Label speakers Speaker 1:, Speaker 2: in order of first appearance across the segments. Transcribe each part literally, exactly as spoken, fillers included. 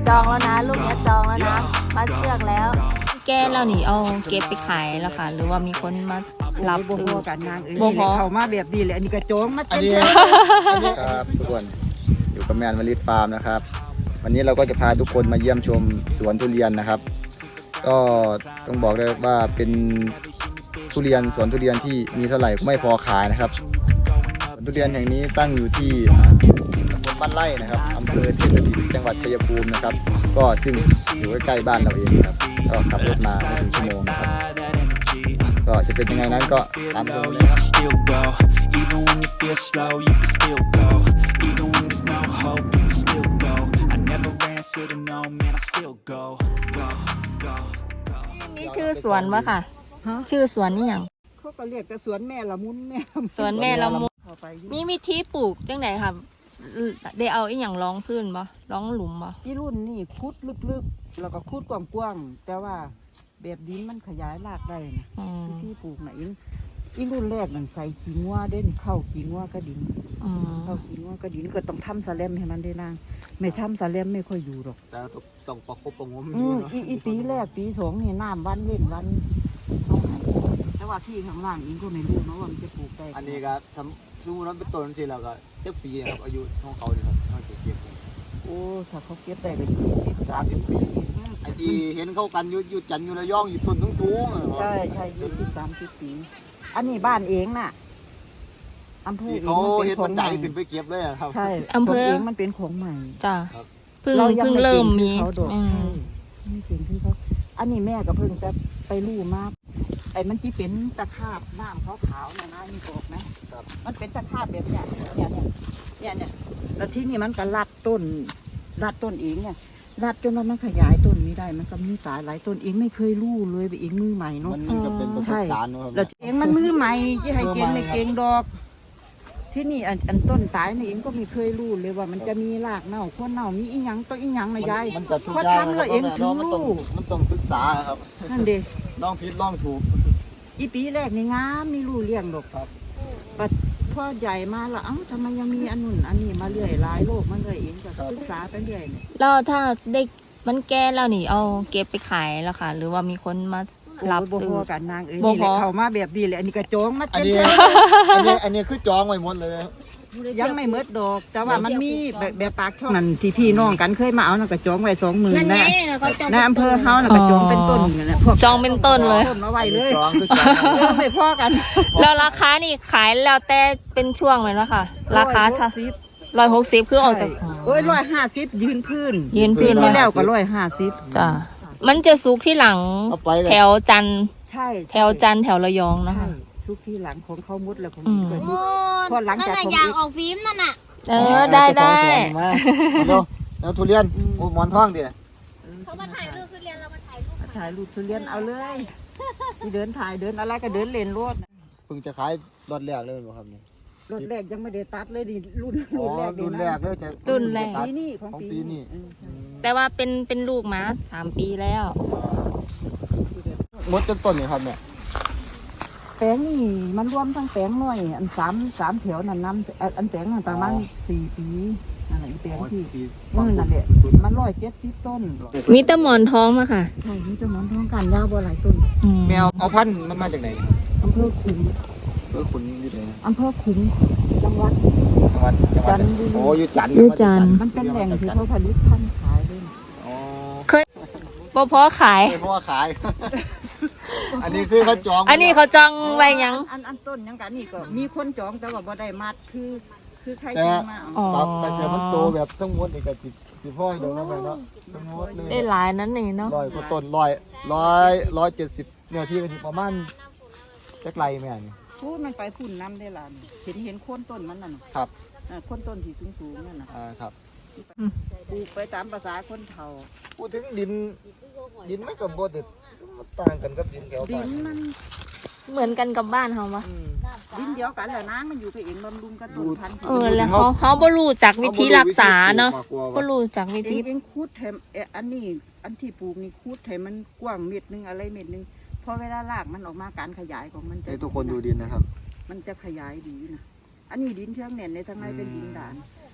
Speaker 1: จองแล้วนะลูกเนี้ยจองแล้วนะมาเชือกแล้วแก้แล้วนี่เอาเก็บไปขายแล้วค่ะหรือว่ามีคนมารับ
Speaker 2: บ่
Speaker 1: ซื้
Speaker 2: พ
Speaker 1: อ
Speaker 2: อกันนางเอ้ย
Speaker 1: บ่พอ
Speaker 2: เข้ามาแบบดีเลยอันนี้กระโจงมา
Speaker 3: อัน
Speaker 2: เต็ม
Speaker 3: นี้
Speaker 2: เลย
Speaker 3: อันนี้ครับทุกคนอยู่กับแมนวลิตฟาร์มนะครับ วันนี้เราก็จะพาทุกคนมาเยี่ยมชมสวนทุเรียนนะครับ ก็ต้องบอกเลยว่าเป็นทุเรียนสวนทุเรียนที่มีเท่าไหร่ก็ไม่พอขายนะครับสวนทุเรียนแห่งนี้ตั้งอยู่ที่ตำบลบ้านไร่นะครับอำเภอเทพดินจังหวัดชัยภูมินะครับ ก็ซึ่งอยู่ใกล้ๆบ้านเราเองครับก็ขับรถมาไม่ถึงชั่วโมงนะครับก็จะเป็นยังไงนั้นก็ตามดูเลยครับ
Speaker 4: still go even when you feel slow you can still go even when there's no hope you can still go I never answer to no man I still go go go go
Speaker 1: นี่ชื่อสวนวะค่ะ
Speaker 2: ฮะ
Speaker 1: ชื่อสวนนี่หยัง
Speaker 2: เขาก็เรียกแต่สวนแม่ละมุนแม่ละมุ
Speaker 1: สวนแม่ละมุน
Speaker 2: เข้าไปอยู่
Speaker 1: มีวิธีปลูกจังไหนค่ะได้เอาอีหยังรองพื้นบ่รองหลุมบ่
Speaker 2: อีรุ่นนี่คุดลึกๆแล้วก็คุดกว้างๆแต่ว่าแบบดินมันขยายรากได้นะ
Speaker 1: อืม
Speaker 2: ที่ปลูกน่ะอีอีรุ่นแรกนั่นใส่ขี้งัวเด่นเข้าขี้งัวกระดิน
Speaker 1: อืม
Speaker 2: เข้าขี้งัวกระดินก็ต้องทำสแลมให้มันได้นางไม่ทำสแลมไม่ค่อยอยู่หรอก
Speaker 3: แต่ต้องประคบประงม
Speaker 2: อืมอีอีปีแรกปีสองนี่น้ำวันเว้นวันเอาให้แต่ว่าที่ข้างล่างอิงก็ไม่รู้นะว่ามันจะปลูกได้
Speaker 3: อันนี้ก็ทำสู้นั้นเป็นต้นสิแล้วก็เจ็ดปีครับอายุของเขาเนี่ยครับเขาจะเก็บ
Speaker 2: โอ้ถ้าเขาเก็บได้ก็ยี่สิบสามสิบปี
Speaker 3: ไอ้ที่เห็นเขากันอยู่อยู่จันทร์อยู่ระยองอยู่ต้นสูงสูง
Speaker 2: ใช่ใช่ยี่สิบสามสิบปี อันนี้บ้านเองน่ะอำเภอ
Speaker 3: ที่
Speaker 2: เอง
Speaker 3: เขา
Speaker 2: มัน
Speaker 3: เห็
Speaker 2: เป็น นข
Speaker 3: บั
Speaker 2: อน ง
Speaker 3: ได
Speaker 2: ใหม่
Speaker 3: ขึ้นไปเก็บเลยอะครับ
Speaker 2: ใช่
Speaker 1: อำเภอ
Speaker 2: ตัวเองมันเป็นของใหม่
Speaker 1: จ้าเพิ่ง
Speaker 2: เรายัง
Speaker 1: เพิ่ง
Speaker 2: ไม่
Speaker 1: เริ่ม
Speaker 2: ก่ง
Speaker 1: มี
Speaker 2: ที่เขาดอก
Speaker 1: อืม
Speaker 2: ใช่ไม่เก่งที่เขาอันนี้แม่ก็เพิ่งจะไปรู้มาไอ้มันที่เป็นตะขาบน้ำขาวๆเนี่ยนะนี่บอกไหม
Speaker 3: ครับ
Speaker 2: มันเป็นตะขาบแบบเนี้ยเนี่ยเนี่ยเนี่ยเนี่ยแล้วที่นี่มันก็รัดต้นรัดต้นเองเนี่ยรัดจนว่ามันขยายต้นไม่ได้มันก็มีสายหลายต้นเองไม่เคยรู้เลยไปเองมือใหม่เนาะ
Speaker 3: มันมันก็เป็นประสบการณ์เนอะครับ
Speaker 2: แล้วเองมันมือใหม่ที่ให้เก่งไม่เก่งดอก ที่นี่อันอันต้นตายนี่เองก็ไม่เคยรู้เลยว่ามันจะมีรากเน่าโคนเน่ามีอีหยังต้นอีหยังนะยาย
Speaker 3: มันก็ทุก
Speaker 2: พอ
Speaker 3: อย่าง
Speaker 2: ทำ
Speaker 3: นะค
Speaker 2: แล้
Speaker 3: รับ
Speaker 2: วเองถึง
Speaker 3: มันต้อง
Speaker 2: รู้
Speaker 3: มันต้องศึกษาครับ
Speaker 2: นั่นเด็
Speaker 3: ลองผิดลองถูก
Speaker 2: อีปีแรกนี่งามนี่รู้เลี้ยงดอก
Speaker 3: ครับ
Speaker 2: ปัดพ่อใหญ่มาแล้วเอ้าทำไมยังมีอันนู่นอันนี้มาเรื่อยหลายโลกมันเลยเองก็ศึกษาไปเรื่อยเนี่ย
Speaker 1: แล้วถ้าได้มันแก้แล้วนี่เอาเก็บไปขายแล้วค่ะ หรือว่ามีคนมารับ
Speaker 2: โอ้ยบ่
Speaker 1: ซื้
Speaker 2: พ
Speaker 1: อ
Speaker 2: อกันนางเอ้ย
Speaker 1: บ่
Speaker 2: นี่แหละ
Speaker 1: พอ
Speaker 2: เข้ามาแบบดีเลยอันนี้กระโจงมา
Speaker 3: อัน
Speaker 2: เต็ม
Speaker 3: นี้
Speaker 2: เลย
Speaker 3: อันนี้อันนี้คือจองไว้หมดเลยครับ
Speaker 2: ยังไม่เมดดอก แต่ว่ามันมีแบบแบบปากช่องนั่นที่พี่น้องกันเคยมาเอานั่นกระโจงไว้สองหมื่นนะในอำเภอเฮาน่ะกระโจงเป็นต้นอยู่นะพวก
Speaker 1: จองเป็นต้นเลย
Speaker 2: ต้นมาไว้เลย
Speaker 3: จองคือจอง
Speaker 2: เออไม่พอกัน
Speaker 1: แล้วราคานี่ขายแล้วแต่เป็นช่วงเลยเนาะค่ะ ราคาถ้า
Speaker 2: สิบ
Speaker 1: ร้อยหกสิบคือออกจาก
Speaker 2: โอ้ยร้อยห้าสิบยืนพื้น
Speaker 1: ยืนพื้น
Speaker 2: ปีที่แล้วก็ร้อยห้าสิบ
Speaker 1: จ้ามันจะสุกที่หลัง
Speaker 3: เอาไปเลย
Speaker 1: แถวจันทร์
Speaker 2: ใช่
Speaker 1: แถวจันทร์แถวระยองนะ
Speaker 2: ใช่
Speaker 1: คะ
Speaker 2: ทุกที่หลังของเขามุดแล้วของ
Speaker 1: อืม
Speaker 2: เกิด
Speaker 5: โอ้
Speaker 2: พอหลังจาก
Speaker 5: นั่น
Speaker 2: ของ
Speaker 5: น่ะยาง
Speaker 2: อีก
Speaker 5: ออกฟิล์มนั่นน่ะ
Speaker 1: เออได้ได้
Speaker 3: มาเร็วแล้วทุเรียนโอ้หมอนทองดิ
Speaker 5: เขามาถ่ายรูปคือเรียนเรามาถ่ายรูป
Speaker 2: ถ่ายรูปทุเรียนเอาเลยที่เดินถ่ายเดินอะไรก็เดินเล่นรถ
Speaker 3: เพิ่งจะขายรถแรกเลยบ่ครับนี่
Speaker 2: รถแรกยังไม่ได้ตัดเลยดิรุ่น
Speaker 3: อ๋อ
Speaker 2: รุ่นแรก
Speaker 3: รุ่นแรกเลยจะ
Speaker 1: รุ่นแรก
Speaker 2: ปีนี้ของ
Speaker 3: ของ
Speaker 2: ปี
Speaker 3: ปีนี้
Speaker 2: นี้เออ
Speaker 3: อืม
Speaker 1: แต่ว่าเป็นเป็นลูกมาสามปีแล้ว
Speaker 3: หมดจนต้นนี่ครับเนี่ย
Speaker 2: แปลงนี่มันรวมทั้งแปลงน้อยอันสามสามแถวนั่นน้ำอันอันแปลงนั่นประมาณสี่ปีนั่นแหละอีแปลงที่มือนั่นแหละมันร้อยเจ็ดสิบต้น
Speaker 1: มีแตะหมอนทองมาค่ะ
Speaker 2: ใช่นี่จะหมอนทองกันยาวบ่หลายต้น
Speaker 1: อืม
Speaker 3: แมวเอาพันธุ์มันมาจากไหน
Speaker 2: อำเภอขุน
Speaker 3: เออคุณอยู่ไหน
Speaker 2: อำเภอขุนจังหวัด
Speaker 3: จังหวัดจังหวัด
Speaker 2: จันทบุรี
Speaker 3: โอ้อยู่จันทร์
Speaker 1: อยู่จันทร์
Speaker 2: มันเป็นแหล่งที่เขาผลิตพันธุ์ขายเลย
Speaker 3: อ๋อ
Speaker 1: บ่พอขาย
Speaker 3: เพราะว่าขาย อันนี้คือเขาจอง
Speaker 1: อันนี้เขาจองไว้หยัง
Speaker 2: อันอันต้นยังกันนี่ก็มีคนจองแต่ว่าบ่ได้มัดคือ คือใคร
Speaker 3: แต่
Speaker 2: จองมาเอา
Speaker 1: อ๋อ
Speaker 3: ครับแต่เกิดมันโตแบบทั้งหมดนี่ก็สิสิพ่อยเดี๋ยวนะไปเนาะทั้งหมดเลย
Speaker 1: ได้หลายนั้นนี่เนาะ
Speaker 3: ร้อยกว่าต้นร้อยร้อยร้อยเจ็ดสิบเนี่ยที่ก็สิประมาณจักไรแม่นี่
Speaker 2: พูดมันไปพุ่นน้ำได้ล่ะนี่เห็นเห็นโคนต้นมันน่ะน่ะ
Speaker 3: ครับ
Speaker 2: อ่าโคนต้นที่สูงสูงๆนั่นน่ะ
Speaker 3: อ่าครับ
Speaker 2: ปลูกไปตามภาษาคนเฒ่า
Speaker 3: พูดถึงดิน ดินไม่กับบ่เด็ดมันต่างกันกับดินแถว
Speaker 2: ดิ
Speaker 3: บ้าน
Speaker 2: นมัน
Speaker 1: เหมือนกันกับบ้านเขาปะ
Speaker 3: อืม
Speaker 2: ดินเดียวกันแหละนะมันอยู่กับเองบำรุงกระตุ้นพันธุ์
Speaker 1: เออแล้วเขาเขาบ่รู้จักวิธีรักษาเนาะ
Speaker 3: ขบ่
Speaker 1: บ่
Speaker 3: รู้
Speaker 1: รู้จักวิ
Speaker 2: เอ
Speaker 1: ธี
Speaker 2: งเองคูดแถมเอ่ออันนี้อันที่ปลูกนี่คูดให้มันกว้างเม็ดหนึงอะไรเม็ดหนึงพอเวลารากมันออกมาการขยายของมันจะ
Speaker 3: ให้ทุกคนดูดินนะครับ
Speaker 2: มันจะขยายดีนะอันนี้ดินเชื่องแน่นในทางในเป็นดินด่าน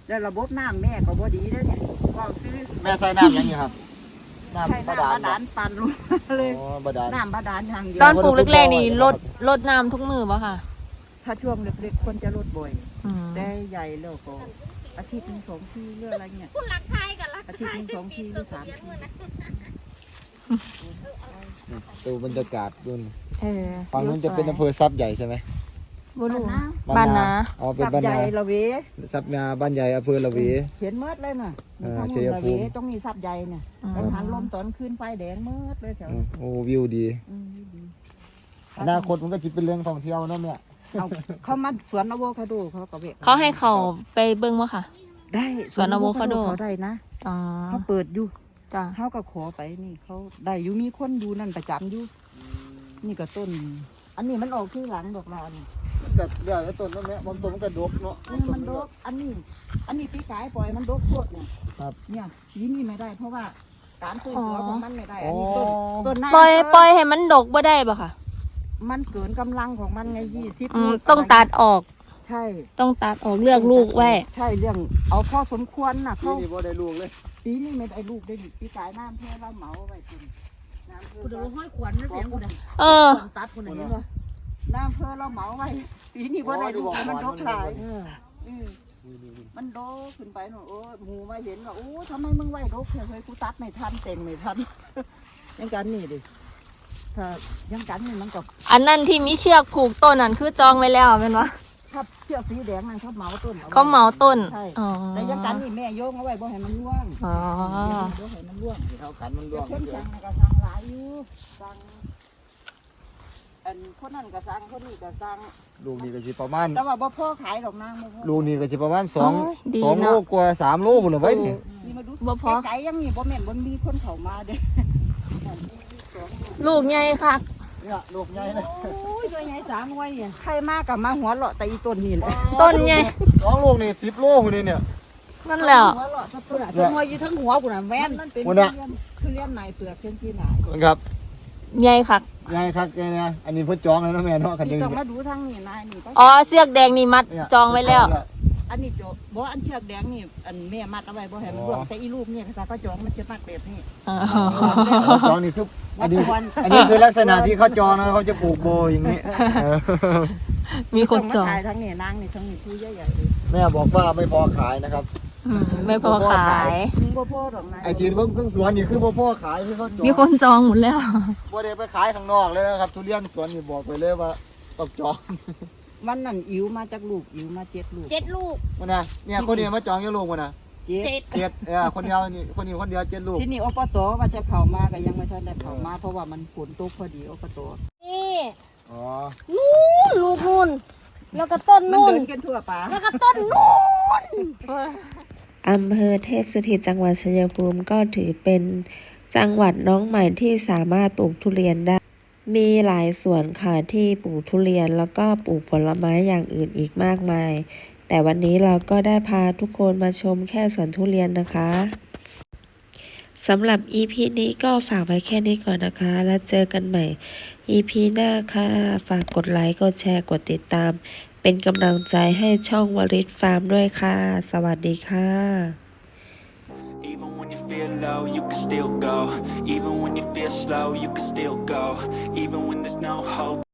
Speaker 2: แล้วระบบน้ำแม่ก็บ่ดีเด้อเนี่ยก็ซื้อ
Speaker 3: แม่ใส่น้ำยังไงครับ
Speaker 2: ใช้
Speaker 3: น้ำบา
Speaker 2: น้ำ
Speaker 3: ดาล
Speaker 2: บาดาลปั่นลงมาเลย
Speaker 3: อ๋อบาดาล
Speaker 2: น้ำบาดาลอย่างเดียว
Speaker 1: ตอนปลูกแรกๆนี่ลดลดน้ำทุกมือป่ะค่ะ
Speaker 2: ถ้าช่วงเล็กๆคนจะลดบ่อย
Speaker 1: อืม
Speaker 2: แต่ใหญ่แล้วก็อาทิตย์หนึงสองทีเรื่องอะไรเงี้ย
Speaker 5: คุณรักไทยกับรัก
Speaker 2: อาทิตย์หนึงสองทีหรือสามที
Speaker 3: ดูบรรยากาศดูน
Speaker 1: เออ
Speaker 3: ฝั่งนู้นจะเป็นอำเภอซับใหญ่ใช่ไหม
Speaker 1: บุรุ
Speaker 2: นะ
Speaker 1: บ้านนะ
Speaker 3: อ๋อเป็น
Speaker 2: สับ
Speaker 3: บ้าน
Speaker 2: ใหญ่
Speaker 3: นา
Speaker 2: ละเว
Speaker 3: ซับนาบ้านใหญ่อำเภอละเว
Speaker 2: เห็นเมิดเลยน่ะ
Speaker 3: เออ
Speaker 2: ข้าง
Speaker 3: ชั
Speaker 2: บน
Speaker 3: ย
Speaker 2: ละ
Speaker 3: ภู
Speaker 2: เว
Speaker 3: มิ
Speaker 2: ต้องมีสับใหญ่เนี่ย
Speaker 1: อืม
Speaker 2: กังหันลมตอนคืนไฟแดงเมิดเลยแถว
Speaker 3: อืมโอ้วิวดี
Speaker 2: อืมดี
Speaker 3: อนาคตมันก็จะเป็นเรื่องท่องเที่ยวเนาะแม่
Speaker 2: เอาเขามาสวนอะโวคาโดเขาก็เวะ
Speaker 1: เขาให้เขาไปเบิ้งวะค่ะ
Speaker 2: ได้
Speaker 1: สวนอะโวคาโด
Speaker 2: เขาได้นะ
Speaker 1: อ๋อ
Speaker 2: เขาเปิดอยู่
Speaker 1: จ้ะ
Speaker 2: เขาก็ขอไปนี่เขาได้อยู่มีคนอยู่นั่นประจำอยู่นี่ก็ต้น อันนี้มันออกที่หลังดอกลานี่
Speaker 3: ก็เดี๋ยวไอ้ต้นนั่นแหละบางต้นมันก็ดกเนาะ
Speaker 2: นี่มันดกอันนี้ อันนี้ปีกายปล่อยมันดกโคตรเนี่ย
Speaker 3: ครับ
Speaker 2: เนี่ยปีนี้ไม่ได้ เพราะว่าการฟื้นตัวของมันไม่ได้ อันนี้ต้น
Speaker 3: อ๋อ
Speaker 2: ต้นนาย
Speaker 1: ปล่อย
Speaker 2: อำเภ
Speaker 1: ปล่อยให้มันดกบ่ได้ป่ะค่ะ
Speaker 2: มันเกินกำลังของมันไงยี่สิบ
Speaker 1: อืมต้องตัดออก
Speaker 2: ใช่
Speaker 1: ต้องตัดออกเลือกลูกไว้
Speaker 2: ใช่เรื่องเอาพอสมควรน่ะ
Speaker 3: ที่
Speaker 2: เขา
Speaker 3: นี่บ่ได้ลูกเลย
Speaker 2: ปีนี้ไม่ได้ลูกได้ดิปีกายน้ำเพื่อเราเหมาไว้คุณน้ำเพื่อ
Speaker 5: คุณดูห้อยขวัญนั่นเสียงคุณ
Speaker 1: เออ
Speaker 5: ขวัญตัดคุณเห็นปะ
Speaker 2: น้ำเพื่อเราเหมาไว้ปีนี้บ่ได้ลูกมันดกหลาย
Speaker 5: เออ
Speaker 2: อืมมันโดขึ้นไปหนูโอ้ยหมูมาเห็นว่าโอ้ทำไมมึงไหวดกเฮ้ยกูตัดไม่ทันเต็งไม่ทัน ยังกันนี่ดิถ้ายังกันนี่มันก็
Speaker 1: อันนั้นที่มีเชือกผูกต้นนั่นคือจองไว้แล้วเป็นวะ
Speaker 2: ถ้าเชือกสีแดงนั่นเขาเหมาต้นอไว้
Speaker 1: เขาเหมาต้น
Speaker 2: ใช่
Speaker 1: อ๋อ
Speaker 2: แต่ยังกันนี่แม่โยงเอาไว้บ่ให้มันร่วง
Speaker 1: อ๋อ
Speaker 2: บ่ให้มันร่วง
Speaker 3: เท่ากันมันร่วง
Speaker 2: เช่นสั่งน่ะก็สั่งหลายอยู่สั่งอันคนนั้นก็สั่งคนนี้ก็สั่ง
Speaker 3: ลูกนี่ก็สิประมาณ
Speaker 2: แต่ว่าบ่พอขายดอกนางบ่พอ
Speaker 3: ลูกนี่ก็จะประมาณสอง
Speaker 1: โอ้ยดี
Speaker 3: สองโล
Speaker 1: เนาะ
Speaker 3: กว่าสามโลพุ่นละไว้นี่
Speaker 2: นี่มาดู
Speaker 1: บ่พอ
Speaker 2: ไกลๆยังมีบ่แม่นบ่มีคนเข้ามาเด้อ
Speaker 1: ลูกใหญ่ค่ะ
Speaker 3: เนี่ยลูกใหญ่เลย
Speaker 5: โอ้ยตัวใหญ่สามไว้อ่ะ
Speaker 2: ใครมากับมาหัวเราะแต่อีต้นนี่แหละ
Speaker 1: ต้นใหญ่
Speaker 3: สองลูกนี่สิบโลพุ่นนี่เนี่ย
Speaker 1: นั่นแหละ
Speaker 2: หัวเราะแต่ต้น
Speaker 5: ตัวหัวอยู่ทั้งหัวคุณอ่ะแว่น
Speaker 2: มันเป็น
Speaker 3: หั
Speaker 2: ทุ
Speaker 3: วหน้า
Speaker 2: เรียนทุเรียนไหนเปลือกเช่นที่ไหน
Speaker 3: ครับ
Speaker 1: ใหญ่ค่ะ
Speaker 3: ใหญ่คักแกเนี่ยอันนี้เพิ่นจองแล้วนะแม่เนาะคัน
Speaker 2: ที่
Speaker 3: ยัง
Speaker 2: ต้องมาดูทางนี่นายนี่ก็
Speaker 1: อ๋อเสือกแดงนี่มัดจองไว้แล้ว
Speaker 2: อันนี้โจบ่อันเชือกแดงนี่อันแม่มัดเอาไว้บ่ให้มันร่วงแต่อีลูกเนี่ยถ้าก็จองมันจะมัดแบบนี้
Speaker 1: อ๋อ
Speaker 3: จองนี่คืออันนี้อันนี้คือลักษณะที่เขาจองนะเขาจะปลูกโบอย่างนี้เออ
Speaker 1: มีคนจอง
Speaker 2: มาขายทั้งนี่นางนี่ทั้งนี่คือใหญ่ๆเลย
Speaker 3: แม่บอกว่าไม่พอขายนะครับ
Speaker 1: อืมไม่พอขาย
Speaker 2: มึงบ่พอดอกนาย
Speaker 3: ไอจีนเบิ่งทั้งสวนนี่คือบ่พอขายคือเขาจอง
Speaker 1: มีคนจองหมดแล้ว
Speaker 3: บ่ได้ไปขายข้างนอกเลยนะครับทุเรียนสวนนี่บอกไปเลยว่าต้องจอง
Speaker 2: มันนั่นอิ๋วมาจากลูกอิ๋วมาเจ็ดลูก
Speaker 5: เจ็ดลูก
Speaker 3: มันนะเนี่ยคนเดียวมาจองยังลูกมันนะ
Speaker 2: เจ็ด
Speaker 5: เจ็ด
Speaker 3: เจ็ดเออคนเดียวนี่คนนี้คนเดียวเจ็ดลูก
Speaker 2: ที่นี่อปตว่าจะเข้ามาก็ยังไม่ทันได้เข้ามาเพราะว่ามันฝนตกพอดีอปต
Speaker 5: นี่
Speaker 3: อ๋อ
Speaker 5: นู่นลูกนู่นแล้วก็ต้น
Speaker 2: มัน
Speaker 5: นู่น
Speaker 2: เดินกันทั่วป่า
Speaker 5: แล้วก็ต้นนู่น
Speaker 6: อำเภอเทพสถิตจังหวัดชัยภูมิก็ถือเป็นจังหวัดน้องใหม่ที่สามารถปลูกทุเรียนได้ มีหลายสวนค่ะที่ปลูกทุเรียนแล้วก็ปลูกผลไม้อย่างอื่นอีกมากมาย แต่วันนี้เราก็ได้พาทุกคนมาชมแค่สวนทุเรียนนะคะสำหรับ อี พี นี้ก็ฝากไว้แค่นี้ก่อนนะคะ แล้วเจอกันใหม่ อี พี หน้าค่ะ ฝากกดไลค์กดแชร์กดติดตาม เป็นกำลังใจให้ช่องวริศฟาร์มด้วยค่ะ สวัสดีค่ะ
Speaker 4: Even when you feel low, you can still go. Even when you feel slow, you can still go. Even when there's no hope